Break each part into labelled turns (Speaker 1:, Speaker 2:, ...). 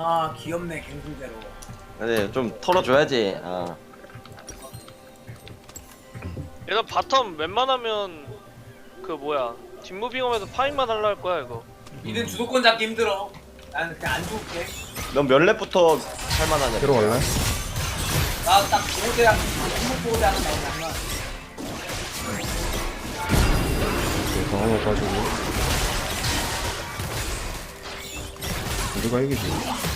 Speaker 1: 아 귀엽네 갱승제로.
Speaker 2: 그래 좀 털어줘야지. 아.
Speaker 3: 일단 바텀 웬만하면 그 뭐야 뒷무빙하면서 파인만 하려 할 거야 이거.
Speaker 1: 니는 주도권 잡기 힘들어. 나는 그냥 안 죽을게.
Speaker 2: 넌 몇 렙부터 할만하냐?
Speaker 4: 들어갈래?
Speaker 1: 나딱 보호대랑 한국 보호대 하나 나오면
Speaker 4: 강화만 빠지고 우리가 이기지.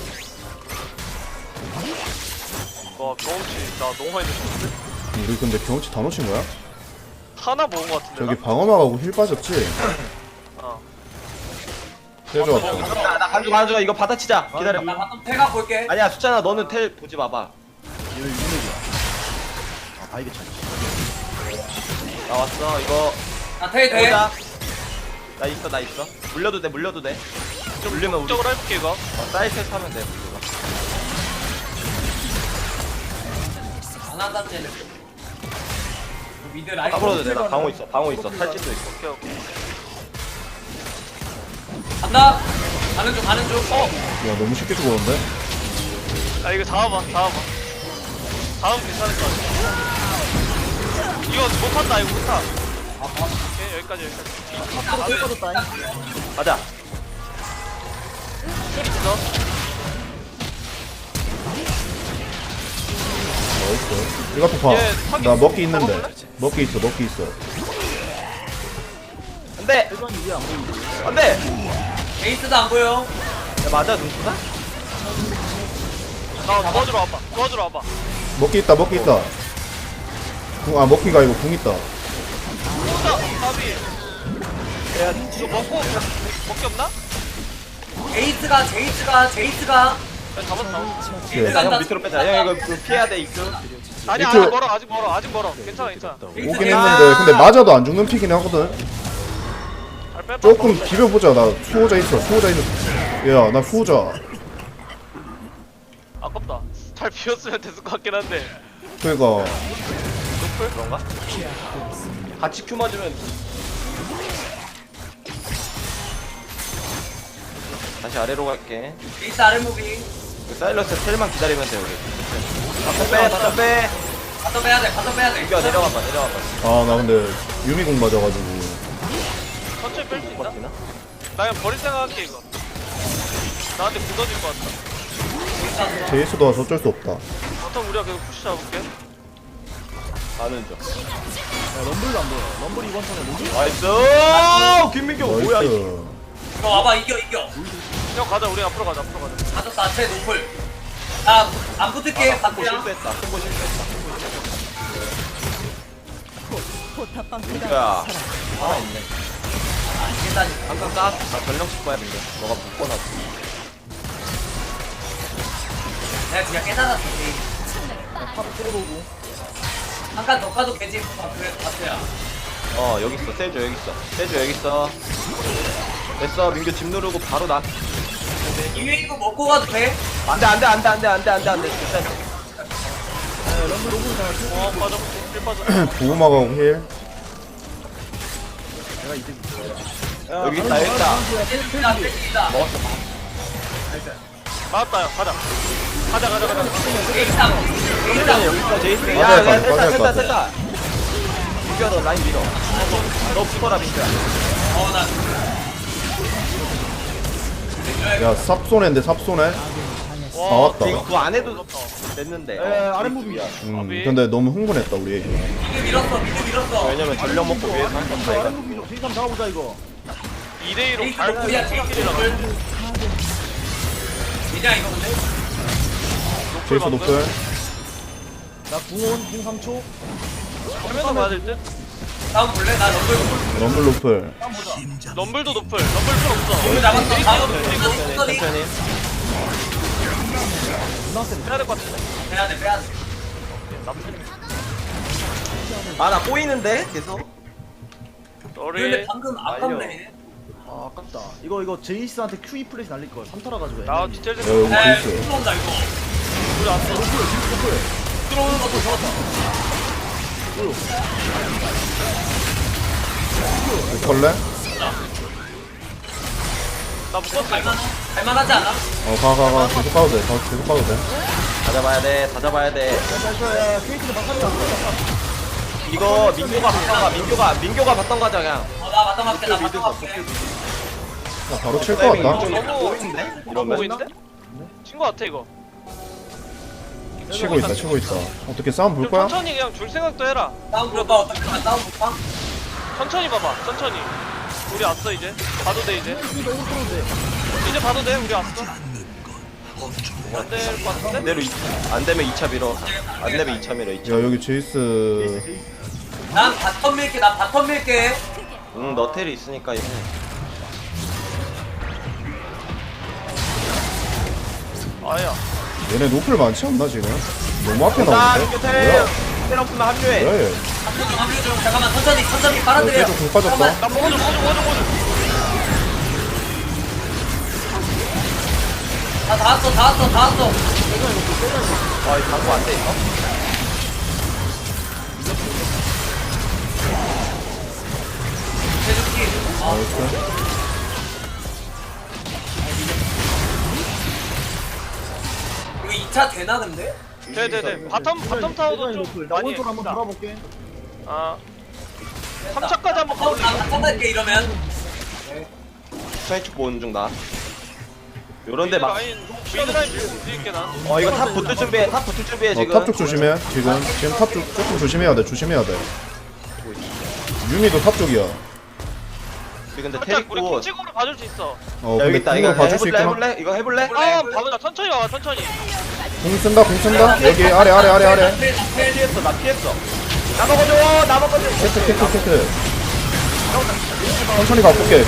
Speaker 3: 와 경험치 나 너무 많이 넣었는데?
Speaker 4: 우리 근데 경험치 다 놓친 거야?
Speaker 3: 하나 먹은 거 같은데.
Speaker 4: 저기
Speaker 3: 나?
Speaker 4: 방어막하고 힐 빠졌지?
Speaker 3: 어.
Speaker 4: 해줘.
Speaker 2: 나 가져가 이거 받아치자. 기다려.
Speaker 1: 나 바텀 태가 볼게.
Speaker 2: 아니야 수찬아 너는 텔 보지 마봐. 나왔어 이거
Speaker 1: 나태 돼.
Speaker 2: 보자. 나 있어. 물려도 돼. 좀 물리면 우리
Speaker 3: 적으로 해볼게 이거.
Speaker 2: 사이트 타면 돼.
Speaker 1: 안 한다 쟤는. 미드 라인.
Speaker 2: 까불어도 돼. 나 방어 있어. 탈진도 있어.
Speaker 3: 오케이 오케이.
Speaker 1: 간다. 가는 중.
Speaker 4: 야 너무 쉽게 죽었는데?
Speaker 3: 야 이거 잡아봐. 다음 괜찮을 것 같아. 이거 못한다 이거 못하. 오케이 여기까지.
Speaker 2: 가자.
Speaker 3: 소리 있어.
Speaker 4: 나이스. 이거 봐.
Speaker 3: 얘 타겟
Speaker 4: 나 먹기 있는데.
Speaker 3: 먹어볼래?
Speaker 4: 먹기 있어.
Speaker 2: 안돼. 안돼.
Speaker 1: 베이스도 안 보여.
Speaker 2: 야 맞아 눈수다?
Speaker 3: 나 도와주러 와봐.
Speaker 4: 먹기 있다. 먹기가 아니고 궁 있다.
Speaker 3: 까비.
Speaker 2: 야
Speaker 3: 이거 먹기 없나?
Speaker 1: 제이스가.
Speaker 3: 야, 잡았어.
Speaker 4: 오케이.
Speaker 2: 형 밑으로 빼자. 형 이거 피해야 돼 이거.
Speaker 3: 아니
Speaker 4: 이쪽-
Speaker 3: 아직 멀어. 괜찮아.
Speaker 4: 오긴 했는데 근데 맞아도 안 죽는 픽이긴 하거든.
Speaker 3: 잘 빼봐.
Speaker 4: 조금 비벼보자. 나 수호자 있어. 야, 나 수호자.
Speaker 3: 아깝다. 잘 비웠으면 됐을 것 같긴 한데.
Speaker 4: 그니까
Speaker 3: 노플?
Speaker 2: 그런가? 같이 큐 맞으면 다시 아래로 갈게.
Speaker 1: 베이스 아래 무빙.
Speaker 2: 사일러스 텔만 기다리면 돼 우리. 바텀 빼.
Speaker 1: 바텀 빼야 돼.
Speaker 2: 이겨 내려가봐.
Speaker 4: 아 나 근데 유미공 맞아가지고
Speaker 3: 천천히 뺄 수 있나?
Speaker 2: 버티나?
Speaker 3: 나 그냥 버릴 생각할게 이거. 나한테 굳어질 것 같다.
Speaker 4: 제이스도 와서 어쩔 수 없다.
Speaker 3: 바텀 우리가 계속 푸시 잡을게.
Speaker 2: 가는 중.
Speaker 5: 럼블도 안 보여. 럼블 이번 턴에 뭐지?
Speaker 2: 나이스. 김민경 뭐야 이.
Speaker 4: 나이스.
Speaker 1: 이거 와봐 이겨.
Speaker 3: 형 가자. 우리 앞으로 가자.
Speaker 1: 가졌다. 쟤 노플. 나안 붙을게.
Speaker 2: 콤보
Speaker 1: 바꾸야.
Speaker 2: 실수했다.
Speaker 5: 포탑방패가
Speaker 2: 야. 하나 있네.
Speaker 1: 일단
Speaker 2: 항상 나 전령 칠 거야 민경. 너가 묶어놨어.
Speaker 1: 내가 그냥 깨달았어.
Speaker 5: 탑 끌어오고.
Speaker 1: 한칸 더 가도 되지. 그래 바트야.
Speaker 2: 여기 있어. 세주 여기 있어. 됐어. 민규 집 누르고 바로 나.
Speaker 1: 이거 이거 먹고 가도 돼?
Speaker 2: 안돼. 진짜.
Speaker 5: 럼블 오고 있잖아.
Speaker 3: 빠져. 힐 빠져.
Speaker 4: 보호막하고 힐.
Speaker 5: 내가 이제
Speaker 2: 여기 있다.
Speaker 1: 나
Speaker 2: 먹었어.
Speaker 3: 맞았다. 형 가자.
Speaker 2: 일단 여기 있어. 제이스.
Speaker 4: 맞아야 돼, 맞아야 돼.
Speaker 2: 됐다. 민규야 너 라인 밀어. 너 붙어라 민규야.
Speaker 4: 야 삽손해인데 삽손해.
Speaker 3: 와,
Speaker 4: 나왔다.
Speaker 2: 이거 그거 안 해도 됐는데.
Speaker 5: 아랫무빙이야.
Speaker 4: 근데 너무 흥분했다 우리.
Speaker 1: 미드 밀었어.
Speaker 2: 왜냐면 전력 먹고 위에서 한 건다 이거.
Speaker 5: 아랫무빙으로 세이삼 잡아보자 이거.
Speaker 3: 2대2로
Speaker 1: 베이스
Speaker 3: 잘
Speaker 1: 노플이야.
Speaker 3: 끼리 나가.
Speaker 1: 그냥 이거 근데
Speaker 4: 제이스 노플.
Speaker 5: 나 궁온 궁 3초.
Speaker 3: 하면서 봐야 될 듯?
Speaker 1: 다음 볼래? 나 럼블
Speaker 4: 럼블 노플.
Speaker 3: 럼블도 노플. 럼블 필요 없어.
Speaker 1: 럼블 잡았어. 다음
Speaker 2: 천천히.
Speaker 3: 해야 될 것 같은데.
Speaker 1: 빼야 돼.
Speaker 2: 아 나 꼬이는데 계속.
Speaker 1: 근데
Speaker 3: 너리.
Speaker 1: 방금 아깝네.
Speaker 5: 아 아깝다. 이거 제이스한테 QE 플래시 날릴 걸. 3타라 가지고.
Speaker 3: 나 디테일
Speaker 4: 야
Speaker 3: 좀.
Speaker 4: 여기 제이스.
Speaker 1: 들어온다 이거.
Speaker 3: 우리 앞에.
Speaker 1: 들어오는 것도 좋았다.
Speaker 4: 컬래?
Speaker 3: 나 묶었어 이거.
Speaker 1: 갈만하지 않아?
Speaker 4: 가. 계속 가도 돼. 계속 가도 돼.
Speaker 2: 다 잡아야 돼. 다 잡아야 돼.
Speaker 5: 야 케이트는 막판이야.
Speaker 2: 이거 민규가 바텀가. 민규가 바텀 가자 그냥.
Speaker 1: 나 맞다 맞게 나
Speaker 2: 미드
Speaker 1: 맞다
Speaker 2: 가.
Speaker 1: 맞게.
Speaker 4: 나 바로 칠 것 같다.
Speaker 3: 너무
Speaker 2: 이러면
Speaker 3: 보이는데? 친거 같아 이거.
Speaker 4: 치고 있다. 어떻게 싸움 볼
Speaker 3: 좀
Speaker 4: 거야?
Speaker 3: 천천히 그냥 줄 생각도 해라.
Speaker 1: 다운 볼까 어떻게 봐? 다운 볼까?
Speaker 3: 천천히 봐봐. 천천히. 우리 왔어 이제. 봐도 돼 이제. 이제 봐도 돼. 우리 왔어. 안 될 것 같은데?
Speaker 2: 그대로 안 되면 2차 밀어. 안 되면 2차 밀어. 2차.
Speaker 4: 야 여기 제이스.
Speaker 1: 난 바텀 밀게. 나 바텀 밀게.
Speaker 2: 응, 너텔이 있으니까 이거.
Speaker 3: 아야.
Speaker 4: 얘네 노플 많지 않나 지금? 너무 앞에
Speaker 2: 나
Speaker 4: 나오는데?
Speaker 2: 민규
Speaker 4: 뭐야?
Speaker 2: 텔 없으면 합류해.
Speaker 4: 뭐야 얘?
Speaker 1: 합류 좀 잠깐만 천천히 빨아들여.
Speaker 4: 계속 공 빠졌다.
Speaker 3: 나 먹어줘.
Speaker 1: 다 왔어.
Speaker 2: 아, 이거 방구 안 돼, 이거?
Speaker 1: 대주기.
Speaker 4: 나이스.
Speaker 1: 이거 2차 되나 근데?
Speaker 3: 네. 바텀 타워도 좀
Speaker 5: 나
Speaker 3: 많이
Speaker 5: 오른쪽 한번
Speaker 3: 했다.
Speaker 5: 돌아볼게.
Speaker 3: 아. 3차까지 한번
Speaker 1: 나
Speaker 3: 가볼래?
Speaker 1: 바텀 이러면.
Speaker 2: 수행축 보는 중 나. 요런데 막.
Speaker 3: 미드 라인 밀고 움직일게 난.
Speaker 2: 이거 탑 붙을 준비해. 지금.
Speaker 4: 탑 쪽 조심해. 지금 탑 쪽 조금 조심해야 돼. 유미도 탑 쪽이야.
Speaker 2: 근데 텔
Speaker 3: 살짝 우리
Speaker 2: 있고.
Speaker 3: 콩치고로 봐줄 수 있어.
Speaker 2: 야, 여기 있다. 이거
Speaker 4: 봐줄 수 있구나.
Speaker 2: 해볼래? 이거 해볼래?
Speaker 3: 아, 봐보자. 천천히 와봐. 천천히.
Speaker 4: 공 쓴다. 여기 아래.
Speaker 2: 피했어. 나 피했어. 나 먹어줘.
Speaker 4: 캐트. 천천히 가볼게.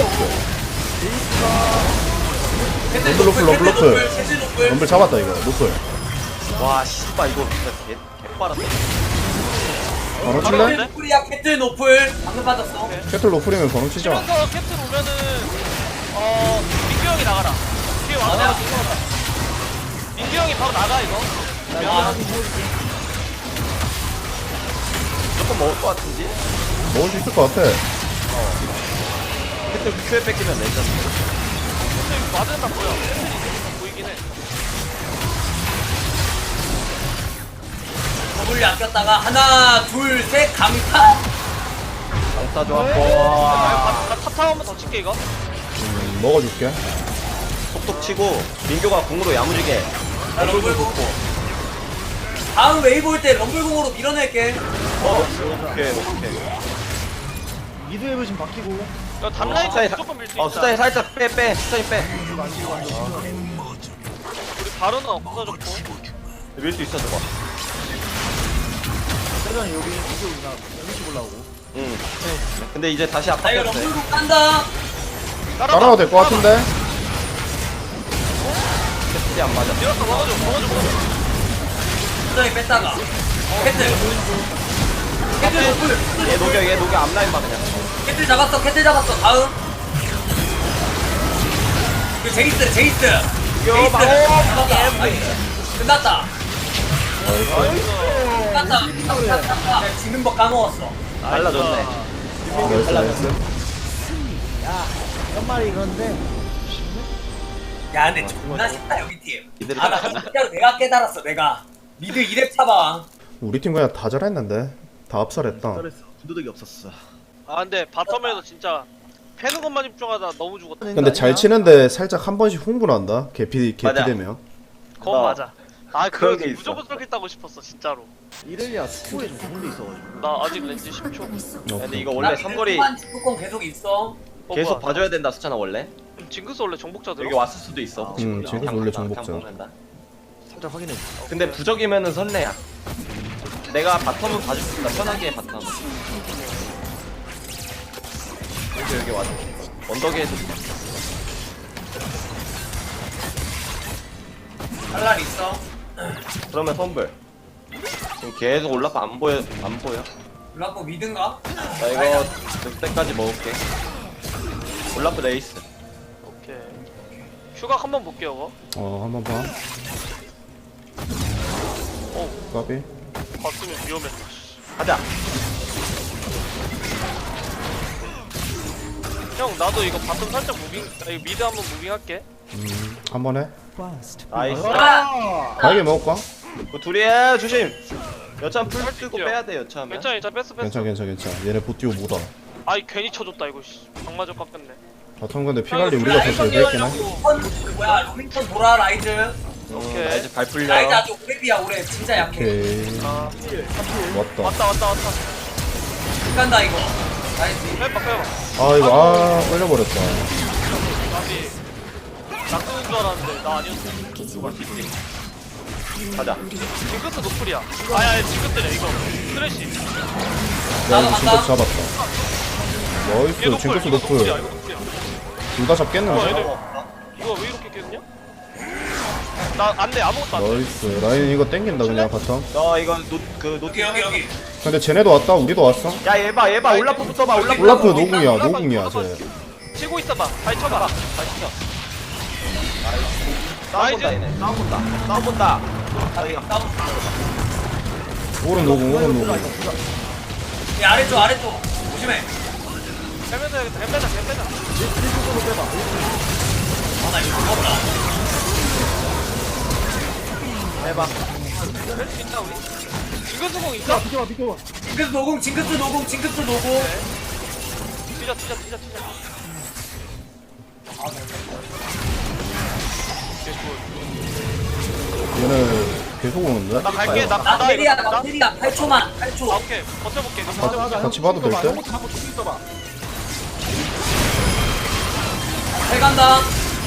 Speaker 4: 럼블. 럼블 잡았다 이거. 노플.
Speaker 2: 와, 씨발 이거 진짜 개빠랐다.
Speaker 4: 바로 칠래?
Speaker 3: 바로
Speaker 1: 노플이야 캐틀 노플. 방금 받았어.
Speaker 4: 캐틀 노플이면 바로 치자.
Speaker 3: 치면서 캡틴 오면은 민규 형이 나가라. 뒤에 왕자가 죽어간다. 민규 형이 바로 나가 이거.
Speaker 2: 조금 먹을 것 같은지?
Speaker 4: 먹을 수 있을 것 같아.
Speaker 2: 그때 큐에 뺏기면 내자.
Speaker 3: 근데 이거 맞은다 보여. 캡틴이 보이긴 해.
Speaker 1: 더블리 아꼈다가 하나 둘셋 강타.
Speaker 2: 강타 좋았고.
Speaker 3: 나 탑타워 한번 더 칠게 이거.
Speaker 4: 먹어줄게.
Speaker 2: 톡톡 치고 민규가 궁으로 야무지게.
Speaker 1: 럼블공. 다음 웨이브 올 때 럼블공으로 밀어낼게.
Speaker 2: 오케이.
Speaker 5: 미드 웨브 지금 바뀌고.
Speaker 3: 이거 담라인
Speaker 2: 수다이
Speaker 3: 무조건 밀 수 있다.
Speaker 2: 수다이 살짝 빼. 수다이 빼.
Speaker 3: 우리 바로는 없어졌고.
Speaker 2: 밀 수 있어 저거.
Speaker 5: 세전이 여기 이쪽이나 여기 올라오고.
Speaker 2: 응. 근데 이제 다시
Speaker 1: 나 이거
Speaker 2: 압박했어.
Speaker 1: 럼블공 깐다.
Speaker 4: 따라와도 될 것 같은데?
Speaker 2: 캐틀이 안 맞아.
Speaker 3: 밀었어. 먹어줘.
Speaker 1: 수정이 뺐다가. 캐틀. 캐틀 노플.
Speaker 2: 얘 녹여 앞라인 봐 그냥.
Speaker 1: 캐틀 잡았어. 다음. 그 제이스. 끝났다. 내가 지는 법 까먹었어.
Speaker 2: 달라졌네.
Speaker 4: 나이스.
Speaker 5: 연말이 그런데
Speaker 1: 야 근데 존나 쉽다 여기 팀.
Speaker 2: 이들이
Speaker 1: 나 진짜로 내가 깨달았어. 내가 미드 2렙 차봐.
Speaker 4: 우리 팀 그냥 다 잘했는데. 다 압살했다.
Speaker 5: 잘했어. 군도덕이 없었어.
Speaker 3: 아 근데 바텀에서 진짜 패는 것만 집중하다 너무 죽었다.
Speaker 4: 근데 잘 치는데 살짝 한 번씩 흥분한다. 개피
Speaker 2: 맞아.
Speaker 4: 되면.
Speaker 3: 그건 맞아. 아
Speaker 2: 그런
Speaker 3: 그거
Speaker 2: 게 있어.
Speaker 3: 무조건 저렇게 따고 싶었어 진짜로.
Speaker 5: 이렐리아 스포에 좀 좋은 게 있어가지고.
Speaker 3: 나 아직 렌즈 10초.
Speaker 2: 근데 이거 원래 삼거리
Speaker 1: 축구권 계속 있어.
Speaker 2: 계속 봐줘야 된다 수찬아 원래.
Speaker 3: 징크스 원래 정복자 들어?
Speaker 2: 여기 왔을 수도 있어. 혹시 몰라.
Speaker 4: 징크스
Speaker 2: 그냥
Speaker 4: 원래
Speaker 2: 그냥
Speaker 4: 정복자.
Speaker 2: 보낸다.
Speaker 5: 살짝 확인해.
Speaker 2: 근데 부적이면은 설레야. 내가 바텀은 봐줄 수 있다. 편하게 해 바텀. 여기 와줘. 언덕에 해도 돼.
Speaker 1: 할랄 있어.
Speaker 2: 그러면 선불. 지금 계속 올라파 안 보여.
Speaker 1: 블락고 미든가?
Speaker 2: 나 이거 늑대까지 먹을게. 올라프 레이스.
Speaker 3: 오케이. 휴각 한번 볼게요 이거.
Speaker 4: 한번 봐. 까비.
Speaker 3: 봤으면 위험했다.
Speaker 2: 가자.
Speaker 3: 형 나도 이거 바텀 살짝 무빙 이거 미드 한번 무빙할게.
Speaker 4: 한번 해.
Speaker 2: 나이스.
Speaker 5: 아
Speaker 4: 바이게 먹을까?
Speaker 2: 그 둘이야 조심. 여참 풀 쓰고 빼야 돼 여참에.
Speaker 3: 괜찮아 괜찮아 뺐어.
Speaker 4: 괜찮아. 얘네 보티오 못와.
Speaker 3: 아이 괜히 쳐줬다 이거 씨. 방마저 깎였네.
Speaker 4: 바텀 근데 피갈리 우리가 더 잘 됐긴 해.
Speaker 1: 뭐야 로밍턴 돌아 라이즈.
Speaker 3: 오케이.
Speaker 2: 나 이제 발 풀려.
Speaker 1: 라이즈 아주 오래비야 오래 진짜 약해.
Speaker 4: 오케이.
Speaker 3: 아
Speaker 4: 왔다.
Speaker 3: 왔다.
Speaker 1: 못 간다 이거. 라이즈.
Speaker 3: 빼봐.
Speaker 4: 아 이거 끌려버렸다.
Speaker 3: 나비. 낚는 줄 알았는데 나 아니었어.
Speaker 2: 가자.
Speaker 3: 징크스 노플이야. 아야 징크스래 이거. 쓰레쉬.
Speaker 4: 야 이거 진짜 잡았다. 나이스
Speaker 3: 얘
Speaker 4: 징크스
Speaker 3: 이거
Speaker 4: 노플.
Speaker 3: 노플이야, 이거 노플이야.
Speaker 4: 둘 다 잡겠는데?
Speaker 3: 이거 왜 이렇게 깼냐? 나 안돼 아무것도 안돼.
Speaker 4: 나이스 라인 이거 땡긴다 그냥 바텀.
Speaker 2: 너 이거 노그 노티.
Speaker 1: 여기.
Speaker 4: 근데 쟤네도 왔다 우리도 왔어.
Speaker 2: 야 얘봐 올라프부터 봐 올라프.
Speaker 4: 올라프 노궁이야 쟤.
Speaker 3: 치고 있어봐. 발 쳐봐.
Speaker 2: 싸움 본다 얘네. 싸움 본다.
Speaker 4: 오른 노궁.
Speaker 1: 이 아래쪽 조심해.
Speaker 3: 해면서 해야겠다. 해빼자.
Speaker 1: 아나 이거 무겁다.
Speaker 2: 해봐.
Speaker 3: 할수 있나 우리? 징크스 공 있어?
Speaker 5: 비켜봐 비켜봐
Speaker 1: 징크스 노공.
Speaker 3: 뛰자.
Speaker 4: 얘네 계속 오는데?
Speaker 3: 나 갈게. 나
Speaker 1: 나
Speaker 3: 간다 이거.
Speaker 1: 테리야
Speaker 3: 간다?
Speaker 1: 8초만.
Speaker 3: 아 오케이. 버텨볼게.
Speaker 4: 같이 봐도 될 때?
Speaker 1: 잘 간다.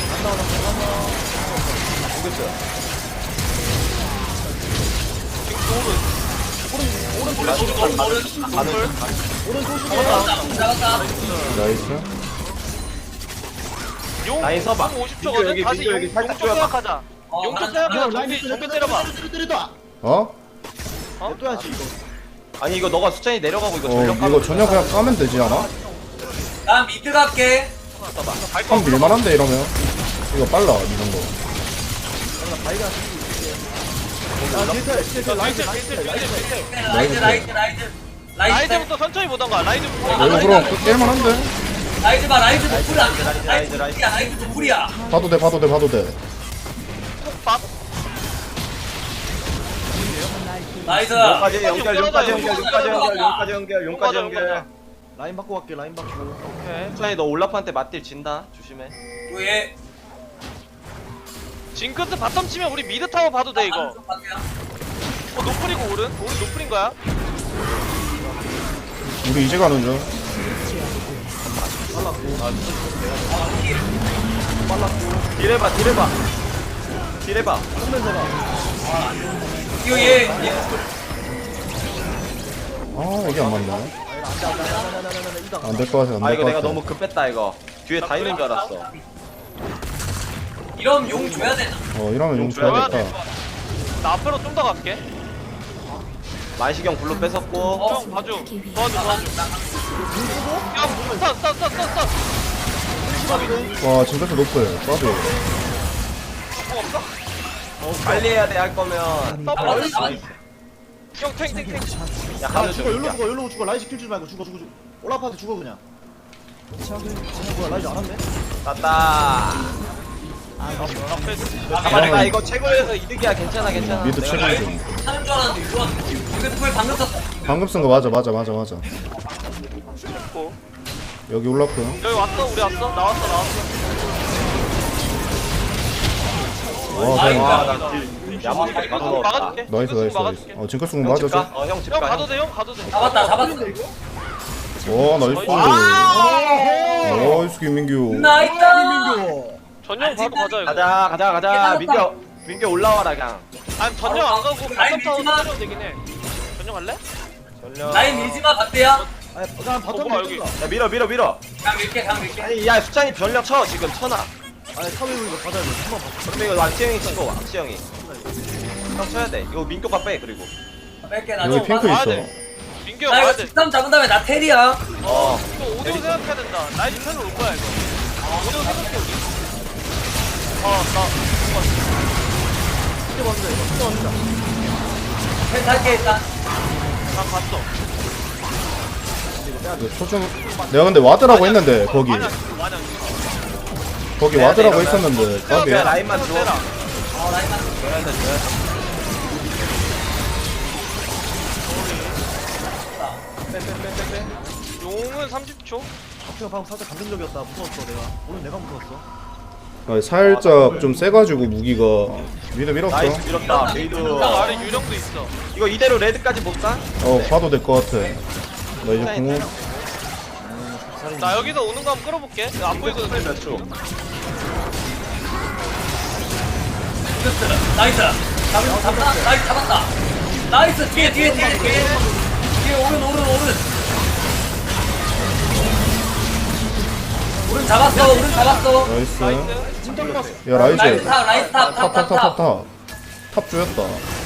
Speaker 1: 잡았다.
Speaker 4: 나이스.
Speaker 3: 용
Speaker 2: 라인 서봐.
Speaker 3: 50초거든.
Speaker 2: 여기,
Speaker 3: 다시
Speaker 2: 민규 여기
Speaker 3: 용
Speaker 2: 살짝
Speaker 3: 쪽 생각하자.
Speaker 1: 어,
Speaker 3: 용 쪽
Speaker 1: 가자.
Speaker 3: 생각하자. 정비 때려봐.
Speaker 5: 때리다
Speaker 4: 어?
Speaker 5: 냅둬야지 이거
Speaker 2: 아니 이거 너가 수찬이 내려가고 이거
Speaker 4: 어
Speaker 2: 전력
Speaker 4: 이거 전혀 그냥 까면 되지 않아?
Speaker 1: 난 미드 갈게.
Speaker 4: 한 밀만한데 이러면. 이거 빨라 이런 거.
Speaker 1: 라이즈.
Speaker 3: 라이즈부터 천천히 보던가. 라이즈부터.
Speaker 4: 이거 그럼 깰만한데?
Speaker 1: 라이즈 봐. 라이즈 노플이야.
Speaker 2: 라이즈.
Speaker 1: 라이즈 노플이야.
Speaker 4: 봐도 돼.
Speaker 3: 밥.
Speaker 1: 나이스.
Speaker 2: 용까지 연결.
Speaker 5: 라인 바꿔 갈게 라인 바꿔
Speaker 3: 오케이.
Speaker 2: 수찬이 너 올라프한테 맞딜 진다. 조심해.
Speaker 1: 얘.
Speaker 3: 징크스 바텀 치면 우리 미드 타워 봐도 돼 이거. 노플이고 오른 노플인 거야.
Speaker 4: 우리 이제 가는 중.
Speaker 2: 딜해봐.
Speaker 1: 이거 얘.
Speaker 4: 아 이게 안 맞네. 안 될 것 같아.
Speaker 2: 아
Speaker 4: 안 될
Speaker 2: 이거
Speaker 4: 것
Speaker 2: 내가
Speaker 4: 같아.
Speaker 2: 너무 급했다 이거. 뒤에 다 있는 줄 알았어.
Speaker 1: 이러면 용 줘야 되나?
Speaker 4: 이러면 용 줘야겠다.
Speaker 3: 나 앞으로 좀 더 갈게.
Speaker 2: 만시경 블루 뺏었고.
Speaker 3: 형 봐줘. 도와줘. 형 스턴.
Speaker 4: 와 징크스 높을. 까비.
Speaker 2: 빨리 해야 돼 할 거면.
Speaker 1: 나이스.
Speaker 3: 형 탱.
Speaker 2: 야
Speaker 5: 아
Speaker 2: 가는
Speaker 5: 죽어
Speaker 2: 중.
Speaker 5: 열로 죽어 라인 시킬 줄 말고 죽어 올라파한테 죽어 그냥 뭐야 라인 안 왔네
Speaker 2: 땄다. 잡았다. 이거 최고에서 이득이야. 괜찮아.
Speaker 4: 미드
Speaker 2: 내가
Speaker 4: 최고 중.
Speaker 1: 하는 줄 알았는데 이거 징크스 방금 썼어.
Speaker 4: 방금 쓴 거 맞아.
Speaker 3: 됐고.
Speaker 4: 여기 올라프.
Speaker 3: 여기 왔어. 우리 왔어. 나왔어.
Speaker 4: 와
Speaker 1: 아이고.
Speaker 4: 그냥.
Speaker 2: 나 야무지게 가서 넣었다.
Speaker 3: 막아줄게.
Speaker 4: 나이스.
Speaker 3: 막아줄게.
Speaker 4: 징크스 공
Speaker 2: 형 집
Speaker 4: 맞아줘.
Speaker 2: 가. 형 집
Speaker 3: 형
Speaker 2: 가.
Speaker 3: 가도 돼.
Speaker 1: 잡았다.
Speaker 4: 와 나이스.
Speaker 3: 아!
Speaker 4: 나이스 김민규.
Speaker 1: 나이스.
Speaker 3: 전용 바로 가자 이거.
Speaker 2: 가자. 민규 올라와라 그냥.
Speaker 3: 아니 전용 안 가고
Speaker 1: 라인
Speaker 3: 바텀 타워
Speaker 1: 밀지마.
Speaker 3: 때려도 되긴 해. 전용 할래?
Speaker 2: 전력.
Speaker 1: 라인 밀지마 박대야.
Speaker 5: 아니 그냥
Speaker 3: 봐,
Speaker 5: 바텀
Speaker 3: 여기.
Speaker 2: 야 밀어.
Speaker 1: 강 밀게.
Speaker 2: 아니 야 수찬이 전력 쳐 지금 쳐놔.
Speaker 5: 아니 사회 이거 받아야 돼 한번 봐
Speaker 2: 그러면 이거 왕치형이 치고 왕치형이. 형 쳐야 돼. 이거 민규가 빼 그리고.
Speaker 1: 뺄게 나.
Speaker 4: 여기 핑크
Speaker 3: 와야
Speaker 4: 있어.
Speaker 3: 돼. 민규 형
Speaker 1: 나
Speaker 3: 와야
Speaker 1: 이거
Speaker 3: 돼.
Speaker 1: 직삼 잡은 다음에 나 테리야.
Speaker 2: 어.
Speaker 3: 이거 오디오 생각해야 된다. 라이즈 펜을 올 거야 이거. 오디오 생각해 우리.
Speaker 1: 펜 탈게 일단.
Speaker 3: 나 봤어.
Speaker 4: 초중 내가 근데 와드라고 했는데 거기
Speaker 3: 많이 안 죽어, 많이 안 죽어.
Speaker 4: 거기 와드라고 했었는데
Speaker 2: 빼야
Speaker 4: 까비야.
Speaker 2: 라인만 줘.
Speaker 3: 때라.
Speaker 1: 라인만
Speaker 3: 빼빼빼빼빼. 용은 30초.
Speaker 5: 앞에가 방금 살짝 감정적이었다. 무서웠어 내가. 오늘 내가 무서웠어.
Speaker 4: 아, 살짝 좀 세가지고 무기가 미드 밀었어.
Speaker 2: 나이스 밀었다. 메이드.
Speaker 3: 딱 아래 유령도 있어.
Speaker 2: 이거 이대로 레드까지 볼까?
Speaker 4: 봐도 될 것 같아. 나 이제 궁
Speaker 3: 나 여기서 오는 거 한번 끌어볼게. 이거 안 보이거든.
Speaker 2: 몇 초?
Speaker 1: 나이스. 잡았다. 나이스 잡았다. 나이스 뒤에 오른. 오른 잡았어.
Speaker 4: 나이스.
Speaker 3: 나이스.
Speaker 4: 야 라이즈
Speaker 1: 라이스 탑.
Speaker 4: 탑 조였다.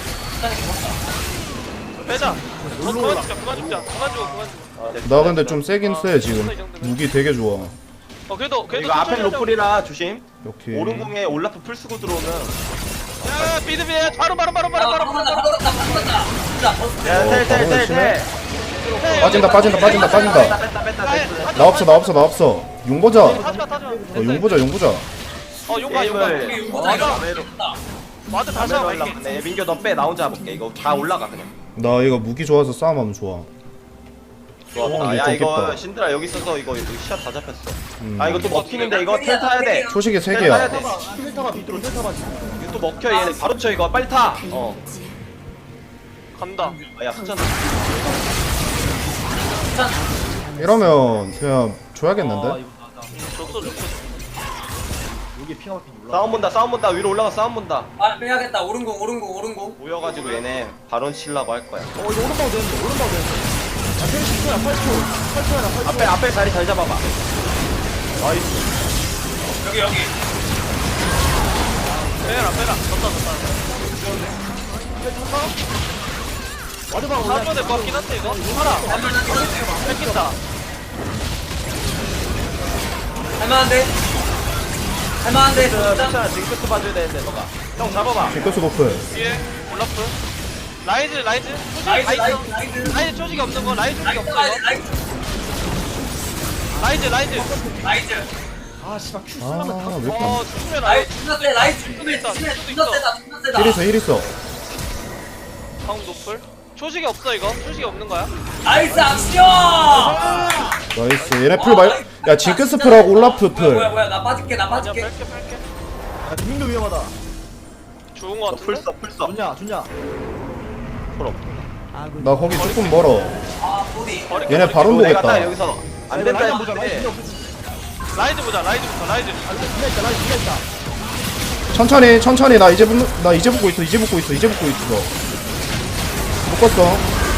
Speaker 3: 빼자. 그만 죽자.
Speaker 4: 나 근데 좀 세긴 세 지금. 무기 되게 좋아.
Speaker 3: 그래도
Speaker 2: 이거 앞에
Speaker 3: 천천히 하자.
Speaker 2: 로플이라 조심.
Speaker 4: 오케이.
Speaker 2: 오른궁에 올라프 풀 쓰고 들어오면.
Speaker 3: 야, 비드비 바로.
Speaker 2: 야, 텔.
Speaker 4: 빠진다.
Speaker 2: 뺐다.
Speaker 4: 나 없어. 용 보자.
Speaker 3: 타지마.
Speaker 4: 용 보자.
Speaker 3: 용가.
Speaker 2: 게임을
Speaker 3: 와드 다시 한번 갈게.
Speaker 2: 네, 민규 너 빼. 나 혼자 볼게. 이거 다 올라가 그냥.
Speaker 4: 나 이거 무기 좋아서 싸움하면 좋아.
Speaker 2: 좋았다.
Speaker 4: 이게
Speaker 2: 야 이거
Speaker 4: 좋겠다.
Speaker 2: 신드라 여기 있어서 이거 시야 다 잡혔어.
Speaker 4: 음.
Speaker 2: 아 이거 또 먹히는데 이거 텔 타야 돼.
Speaker 4: 초식이 세
Speaker 2: 텔
Speaker 4: 개야.
Speaker 2: 타야 돼.
Speaker 5: 텔타가 밑으로 텔타가 지금.
Speaker 2: 이거 또 먹혀 얘네 바로 쳐 이거 빨리 타.
Speaker 3: 간다.
Speaker 2: 야 수찬.
Speaker 4: 이러면 그냥 줘야겠는데?
Speaker 3: 줬어.
Speaker 5: 여기 핑하 막힌 올라.
Speaker 2: 싸움 본다 위로 올라가 싸움 본다.
Speaker 1: 아 빼야겠다. 오른공.
Speaker 2: 모여가지고 얘네 바론 치려고 할 거야.
Speaker 5: 이거 오른방 되는데. 야 텔 10초야 8초야.
Speaker 2: 앞에 자리 잘 잡아봐. 나이스.
Speaker 1: 여기.
Speaker 3: 빼라. 졌다.
Speaker 5: 와드방 올라.
Speaker 3: 사줘야 될것 같긴 한데 이거. 하나. 뺏긴다.
Speaker 1: 할만한데.
Speaker 2: 수찬아 징크스 봐줘야 되는데 너가. 형 잡아봐.
Speaker 4: 징크스 노플.
Speaker 3: 뒤에 올라프. 라이즈. 라이즈 조직이 없는 거. 라이즈 조직이 없어 이거. 라이즈.
Speaker 5: 아 씨발 큐
Speaker 4: 아,
Speaker 5: 쓰려면 다.
Speaker 4: 왜 이렇게
Speaker 3: 죽으면
Speaker 1: 라이즈 존나 세다.
Speaker 4: 힐 있어.
Speaker 3: 방 노플. 초식이 없어 이거. 초식이 없는 거야.
Speaker 1: 나이스 악션.
Speaker 4: 나이스. 얘네 풀 말. 야, 징크스 풀하고 올라프 풀.
Speaker 1: 뭐야 나 빠질게.
Speaker 3: 뺄게.
Speaker 5: 야 김민도 위험하다.
Speaker 3: 좋은 거 같은데.
Speaker 2: 풀써.
Speaker 5: 좋냐.
Speaker 2: 풀어.
Speaker 4: 나 거기 조금 멀어.
Speaker 1: 아 보디.
Speaker 4: 얘네 바론
Speaker 2: 내가 딱
Speaker 4: 보겠다.
Speaker 2: 여기서 안 된다
Speaker 5: 라이즈 보자.
Speaker 2: 했는데.
Speaker 3: 라이즈 보자. 라이즈부터.
Speaker 5: 라이즈 있다.
Speaker 4: 천천히. 나 이제 붙고 있어. 묶었어.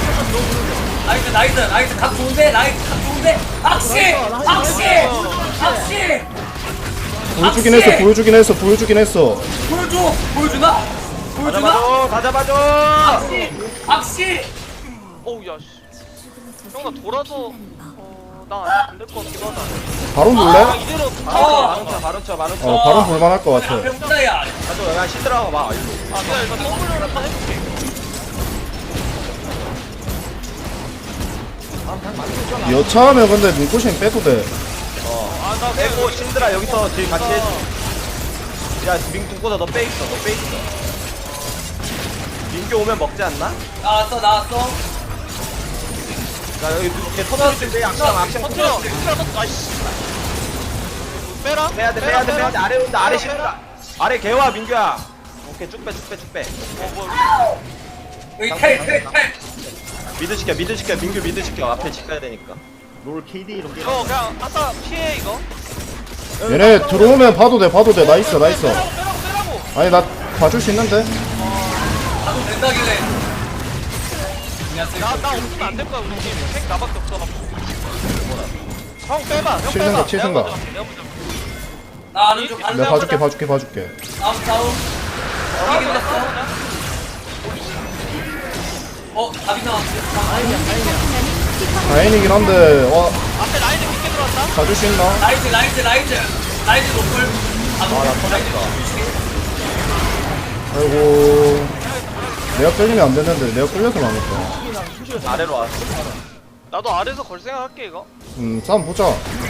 Speaker 1: 나이스 각 좋은데. 악시.
Speaker 4: 보여주긴 했어.
Speaker 1: 보여주나?
Speaker 2: 다 잡아줘.
Speaker 1: 악시.
Speaker 3: 어우 야 씨. 형 나 돌아서 나안될 것 같기도 하다.
Speaker 4: 바론 볼래?
Speaker 3: 이대로
Speaker 2: 바로 쳐.
Speaker 4: 바론 볼만할 것 같아.
Speaker 1: 병자야.
Speaker 2: 가져. 야 신드라 봐.
Speaker 3: 내가 이거 더블로 한번 해볼게.
Speaker 4: 여차하면 근데 눈꽃이 빼도 돼.
Speaker 3: 나
Speaker 2: 빼고 신드라 여기서 딜 같이 해줘. 야 민규보다 너 빼 있어. 민규 오면 먹지 않나?
Speaker 1: 나왔어.
Speaker 2: 야 여기 걔 터널 텐데 악상
Speaker 3: 터트려. 아이씨. 빼라.
Speaker 2: 빼야 돼. 아래 온다. 아래 신드라. 아래 개와 민규야. 오케이 쭉 빼.
Speaker 1: 여기 텔.
Speaker 2: 미드 시켜. 민규 미드 시켜. 앞에 지켜야 되니까.
Speaker 5: 롤 KD 이런 게.
Speaker 3: 이거 그냥 아까 피해 이거.
Speaker 4: 얘네 들어오면 봐도 돼. 나이스.
Speaker 3: 빼라고.
Speaker 4: 아니 나 봐줄 수 있는데.
Speaker 1: 나도 된다길래.
Speaker 3: 나 없으면 안 될 거야 우리 팀. 팩 나밖에 없어가지고. 형 빼봐.
Speaker 4: 칠 생각.
Speaker 3: 내가 먼저.
Speaker 1: 나 아는 좀
Speaker 4: 내가 봐줄게.
Speaker 1: 싸움. 이기긴 했어. 답이 나왔어.
Speaker 4: 다행이긴 한데
Speaker 3: 앞에 라인을 깊게 들어왔다.
Speaker 4: 봐줄 수 있나?
Speaker 1: 라이즈 노플.
Speaker 2: 나 터졌어.
Speaker 4: 아이고 내가 끌리면 안 됐는데 내가 끌려서 망했다.
Speaker 2: 아래로 왔어.
Speaker 3: 나도 아래에서 걸 생각할게 이거.
Speaker 4: 싸움 보자.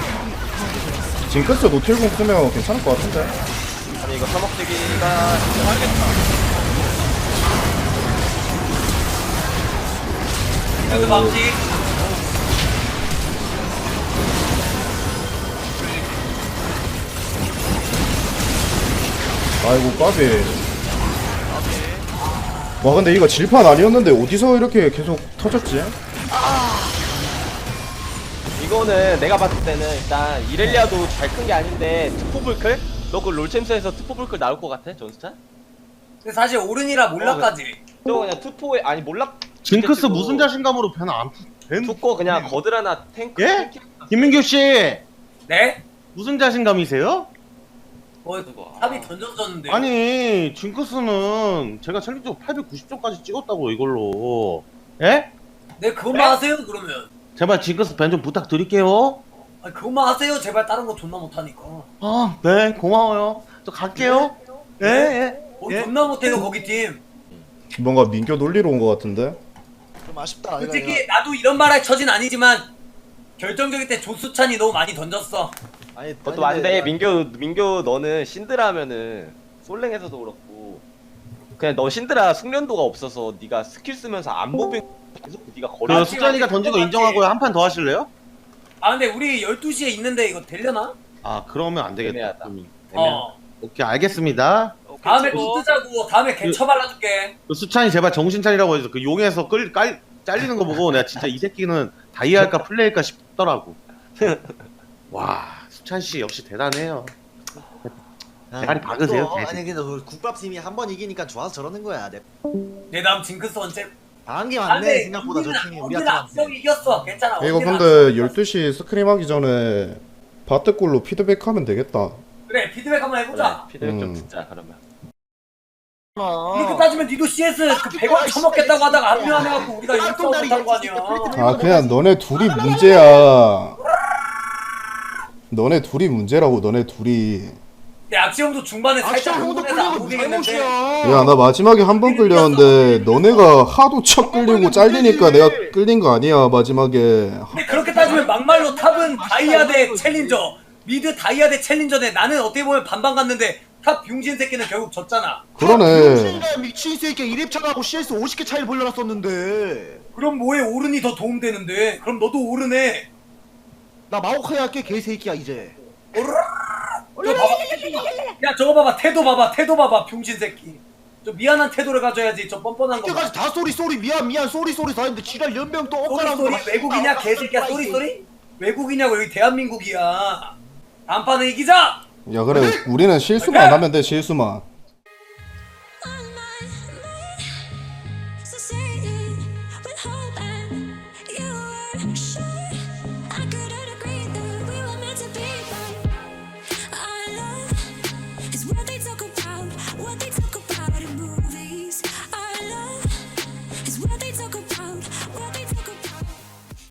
Speaker 4: 징크스 노틸공 쓰면 괜찮을 것 같은데.
Speaker 2: 아니 이거 서먹대기가
Speaker 3: 알겠다.
Speaker 1: 그 방식.
Speaker 4: 아이고 까비. 와 근데 이거 질판 아니었는데 어디서 이렇게 계속 터졌지?
Speaker 2: 이거는 내가 봤을 때는 일단 이렐리아도 잘 큰 게 아닌데 트포블클? 너 그 롤챔스에서 트포블클 나올 것 같아? 전스타?
Speaker 1: 근데 사실 오른이라 몰라까지.
Speaker 2: 저 그냥 투포에 아니 몰락
Speaker 6: 징크스 무슨 자신감으로 벤 안? 벤?
Speaker 2: 죽고 그냥 거드라나 탱크
Speaker 6: 예?
Speaker 2: 탱크
Speaker 6: 김민규 씨
Speaker 1: 네?
Speaker 6: 무슨 자신감이세요?
Speaker 1: 탑이 던져졌는데.
Speaker 6: 아니 징크스는 제가 챌린저 890점까지 찍었다고 이걸로. 예?
Speaker 1: 네 그것만 하세요 그러면.
Speaker 6: 제발 징크스 벤 좀 부탁드릴게요.
Speaker 1: 아니 그것만 하세요 제발. 다른 거 존나 못하니까.
Speaker 6: 아, 네 고마워요. 저 갈게요. 예, 예. 예.
Speaker 1: 존나 못해요 거기 팀.
Speaker 4: 뭔가 민교 놀리러 온 것 같은데.
Speaker 5: 좀 아쉽다.
Speaker 1: 솔직히 나도 이런 말 할 처진 아니지만 결정적일 때 조수찬이 너무 많이 던졌어.
Speaker 5: 아니
Speaker 2: 그것도 안돼 민교 너는 신드라면은 솔랭에서도 그렇고 그냥 너 신드라 숙련도가 없어서 네가 스킬 쓰면서 안 보빙 계속 네가 거려
Speaker 6: 그 수찬이가 던진 거 인정하고요. 한 판 더 하실래요?
Speaker 1: 아 근데 우리 12시에 있는데 이거 되려나?
Speaker 6: 아 그러면 안 되겠다.
Speaker 2: 애매하다.
Speaker 1: 어
Speaker 6: 오케이 알겠습니다.
Speaker 1: 다음에
Speaker 3: 치고.
Speaker 1: 또 뜨자고. 다음에 개처 발라줄게.
Speaker 6: 그 수찬이 제발 정신 차리라고 해서 그 용에서 잘리는 거 보고 내가 진짜 이 새끼는 다이할까 플레이할까 싶더라고. 와 수찬 씨 역시 대단해요. 대가리 박으세요.
Speaker 5: 또,
Speaker 6: 대신.
Speaker 5: 아니 근데 그 국밥팀이 한 번 이기니까 좋아서 저러는 거야.
Speaker 1: 내 다음 징크스 언제?
Speaker 5: 당한 게
Speaker 1: 아,
Speaker 5: 많네
Speaker 1: 근데
Speaker 5: 생각보다 저 팀이
Speaker 1: 언니는
Speaker 5: 우리한테.
Speaker 1: 앞서기 이겼어. 괜찮아.
Speaker 4: 이거
Speaker 1: 언니는
Speaker 4: 근데
Speaker 1: 앞서기
Speaker 4: 12시 스크림 하기 전에 바트골로 피드백하면 되겠다.
Speaker 1: 그래 피드백 한번 해보자.
Speaker 2: 피드백 좀
Speaker 4: 음.
Speaker 2: 듣자 그러면
Speaker 1: 이렇게 따지면 니도 CS 그 100원 처먹겠다고 하다가 합류 안 해갖고 우리가 이거 못한 거 아니야.
Speaker 4: 아 그냥 너네 둘이 문제야. 너네 둘이 문제라고. 너네 둘이.
Speaker 1: 근데 악시형도 중반에 살짝 흥분해서 안 보겠는데.
Speaker 4: 야 나 마지막에 한 번 끌렸는데 너네가 하도 척 끌리고 잘리니까 내가 끌린 거 아니야 마지막에.
Speaker 1: 근데 그렇게 따지면 막말로 탑은 다이아 대 챌린저, 미드 다이아 대 챌린저인데 나는 어떻게 보면 반반 갔는데 탑 병신 새끼는 결국 졌잖아.
Speaker 4: 그러네.
Speaker 5: 미친 새끼 1렙차가고 CS 50개 차이를 벌려놨었는데.
Speaker 1: 그럼 뭐해 오른이 더 도움되는데. 그럼 너도 오른해.
Speaker 5: 나 마오카이 할게 개새끼야 이제.
Speaker 1: 저 봐봐. 야 저거 봐봐. 태도 봐봐. 태도 봐봐. 병신 새끼. 저 미안한 태도를 가져야지. 저 뻔뻔한 거.
Speaker 5: 이때까지 다 쏘리 미안 쏘리 다 했는데 지랄 연병 또 엇갈아서
Speaker 1: 쏘리 외국이냐 개새끼야. 쏘리 외국이냐고. 여기 대한민국이야. 다음 판은 이기자.
Speaker 4: 야 그래 우리는 실수만 하면 돼. 실수만.